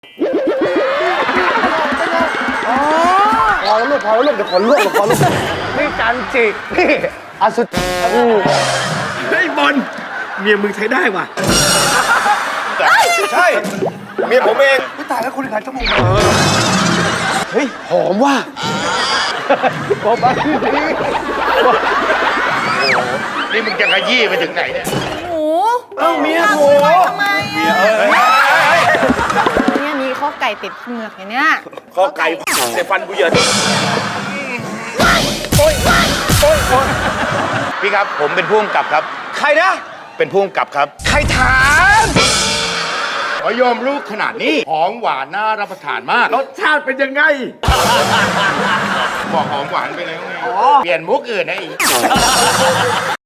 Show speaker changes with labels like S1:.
S1: พอแล้วลูกเดี๋ยวขอลูกนี่จันจินี่อสุด
S2: เฮ้ยบอลเมียมึงใช้ได้ว่ะ
S1: ใช่เมียผมเองไม่ตายแล้วคุณขายจมูกเฮ้ยหอมว่ะบอกมาที่นี่
S3: นี่มึงจะขยี้ไปถึงไหนเนี่ย
S4: หมู
S1: เอ้าเมียโถ
S4: ทำไม
S3: เมีย
S4: เนี่ยมีข้อไก่ติดเหงือกอย่างเนี้ย
S2: ข้อไก่ในฟันกูเหยิน
S3: พี่ครับผมเป็นผู้กำกับครับ
S1: ใครนะ
S3: เป็นผู้กำกับครับ
S1: ใครถาม
S3: ขอยอมลูกขนาดนี้หอมหวานน่ารับประทานมาก
S2: รสชาติเป็นยังไง
S3: บอกหอมหวานไปแล้วไงเปลี่ยนมุกอื่นนะอีก